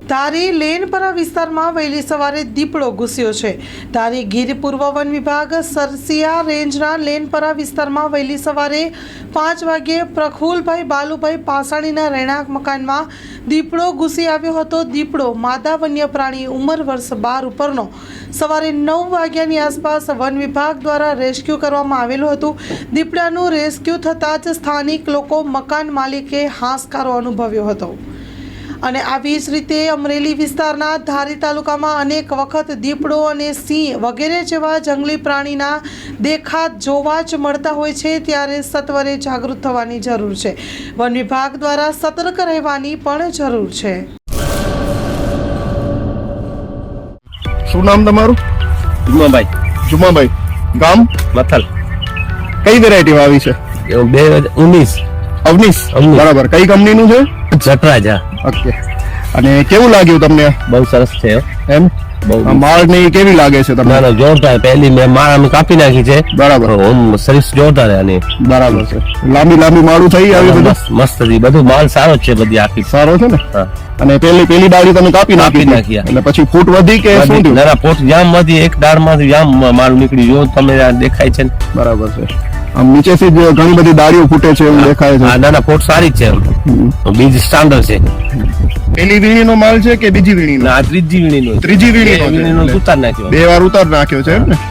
ધારી લેનપરા વિસ્તારમાં વહેલી સવારે દીપડો ઘૂસ્યો છે। ધારી ગીર પૂર્વ વન વિભાગ સરસિયા રેન્જના લેનપરા વિસ્તારમાં વહેલી સવારે 5 વાગ્યે પ્રફુલભાઈ બાલુભાઈ પાસાણીના રહેણાંક મકાનમાં દીપડો ઘૂસી આવ્યો હતો। દીપડો માદા વન્ય પ્રાણી ઉંમર વર્ષ 12 ઉપરનો સવારે 9 વાગ્યાની આસપાસ વન વિભાગ દ્વારા રેસ્ક્યુ કરવામાં આવેલું હતું। દીપડાનું રેસ્ક્યુ થતાં જ સ્થાનિક લોકો મકાન માલિકે હાશકારો અનુભવ્યો હતો। અને આવી જ રીતે અમરેલી વિસ્તારના ધારી તાલુકામાં અનેક વખત દીપડો અને સિંહ વગેરે જેવા જંગલી પ્રાણીના દેખાત જોવા જ મળતા હોય છે, ત્યારે સત્વરે જાગૃત થવાની જરૂર છે। વન વિભાગ દ્વારા સતર્ક રહેવાની પણ જરૂર છે। શું નામ તમારું? જુમાભાઈ ગામ મથલ કઈ વેરાયટી આવી છે? 2019 અવનીશ બરાબર। કઈ કંપનીનું છે? જટરાજ। ઓકે, અને કેવું લાગ્યું તમને? બહુ સરસ છે એમ માળ ની કેવી લાગે છે તમને? ના જોરદાર, પહેલી મેં માળ અમે કાપી નાખી છે બરાબર। ઓમ સર્વિસ જોરદાર આની બરાબર છે, લાંબી માળું થઈ આવી બધું મસ્ત હતી, બધું માલ સારો જ છે, બધી આખી સારો છે ને। હા, અને પેલી ડાળી તમે કાપી નાખી એટલે પછી ફૂટ વધી કે શું થયું? ના પોટ જામ માંથી એક ડાળ માંથી જામ માલ નીકળી જો તમે દેખાય છે ને? બરાબર છે, આમ નીચેથી જ ઘણી બધી ડાળીઓ ફૂટે છે એવું દેખાય છે। ના ના પોટ સારી જ છે, બીજ સ્ટાન્ડર્ડ છે। પેલી વીણીનો માલ છે કે બીજી વીણીનો? ના ત્રીજી વીણીનો ત્રીજી વીણીનો ઉતાર નાખ્યો, 2 વાર ઉતાર નાખ્યો છે એમ ને?